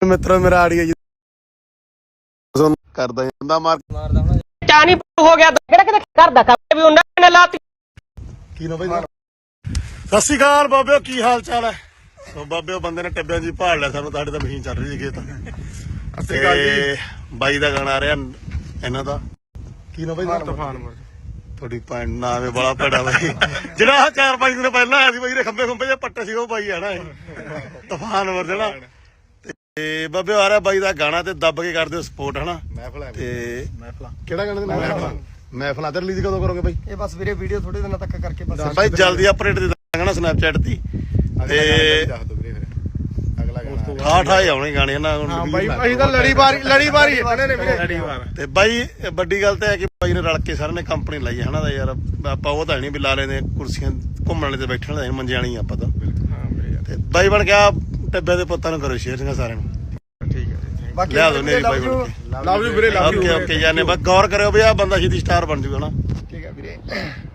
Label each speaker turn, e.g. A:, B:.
A: ਮਿੱਤਰੋ ਮੇਰਾ ਆੜੀਆ ਜੀ ਕਰਦਾ ਜਾਂਦਾ ਮਾਰਦਾ
B: ਚਾਣੀ ਹੋ ਗਿਆ ਕਿਹੜਾ ਕਿਤੇ ਘਰ ਦਾ ਕੰਮ ਵੀ ਉਹਨਾਂ ਨੇ ਲਾਤੀ
A: ਕੀ ਨਾ ਬਾਈ ਸਤਿ ਸ਼੍ਰੀ ਅਕਾਲ ਬਾਬਿਓ ਕੀ ਹਾਲ ਚਾਲ ਹੈ ਸੋ ਬਾਬਿਓ ਬੰਦੇ ਨੇ ਟੱਬਿਆਂ ਜੀ ਭਾਲ ਲਿਆ ਸਾਨੂੰ ਤੁਹਾਡੇ ਤਾਂ ਮਸ਼ੀਨ ਚੱਲ ਰਹੀ ਸੀ ਤੇ ਬਾਈ ਦਾ ਗਾਣਾ ਆ ਰਿਹਾ ਇਹਨਾਂ ਦਾ ਕੀ ਨਾ ਬਾਈ ਤੂਫਾਨ ਤੁਹਾਡੀ ਭੈਣ ਨਾ ਆਵੇ ਬੜਾ ਭੜਾ ਬਾਈ ਜਿਹੜਾ 4-5 ਦਿਨ ਪਹਿਲਾਂ ਆਇਆ ਸੀ ਬਾਈ ਦੇ ਖੰਭੇ ਜੇ ਪੱਟੇ ਸੀ ਉਹ ਬਾਈ ਆਣਾ ਤੂਫਾਨ ਵਰ ਜਿਹੜਾ ਤੇ ਬਾਬੇ ਆ ਰਿਹਾ ਬਾਈ ਦਾ ਗਾਣਾ ਤੇ ਦੱਬ ਕੇ ਕਰਦੇ ਹੋ ਸਪੋਰਟ ਹਨਾ ਤੇ ਕਿਹੜਾ ਗਾਣਾ ਮਹਿਫਲਾਂ ਤੇ ਰਿਲੀਜ਼ ਕਦੋਂ ਕਰੋਗੇ ਬਾਈ
C: ਇਹ ਬਸ ਵੀਰੇ ਵੀਡੀਓ ਥੋੜੇ ਦਿਨਾਂ ਤੱਕ ਕਰਕੇ ਬਸ
A: ਬਾਈ ਜਲਦੀ ਅਪਡੇਟ ਦੇ ਦਾਂਗਾ ਨਾ ਸਨੈਪਚੈਟ ਤੇ
C: ਦੱਸ ਦੋ ਵੀਰੇ ਫਿਰ ਅਗਲਾ ਗਾਣਾ
A: ਠਾਠ ਆਉਣੇ ਗਾਣੇ ਹਨਾ
C: ਹਾਂ ਬਾਈ ਅਸੀਂ ਤਾਂ ਲੜੀ ਵਾਰੀ ਇਹਨਾਂ ਨੇ ਵੀਰੇ ਲੜੀ ਵਾਰ
A: ਤੇ ਬਾਈ ਵੱਡੀ ਗੱਲ ਤਾਂ ਹੈ ਕਿ ਬਾਈ ਨੇ ਰਲ ਕੇ ਸਾਰਿਆਂ ਨੇ ਕੰਪਨੀ ਲਾਈ ਹਨਾ ਦਾ ਯਾਰ ਆਪਾਂ ਉਹ ਤਾਂ ਨਹੀਂ ਵੀ ਲਾ ਲੈਂਦੇ ਕੁਰਸੀਆਂ ਘੁੰਮਣ ਵਾਲੇ ਤੇ ਬੈਠਣ ਵਾਲੇ ਮੰਜੇ ਵਾਲੀ ਆਪਾਂ ਤਾਂ ਤੇ ਬਾਈ ਬਣ ਗਿਆ ਟੱਬਿਆਂ ਦੇ ਪੁੱਤਾਂ ਨੂੰ ਕਰੋ ਸ਼ੇਅਰ ਸਾਰਿਆਂ ਨੂੰ
C: ਠੀਕ ਹੈ ਬਾਕੀ
A: ਲਿਆ ਦੋ ਨੇਰੀ ਬਾਈ ਬਣ ਕੇ
C: ਲਵ ਯੂ ਵੀਰੇ
A: ਓਕੇ ਯਾਰ ਨੇ ਬਸ ਗੌਰ ਕਰਿਓ ਵੀ ਆ ਬੰਦਾ ਸਿੱਧੀ ਸਟਾਰ ਬਣ ਜੂਗਾ ਨਾ
C: ਠੀਕ ਹੈ ਵੀਰੇ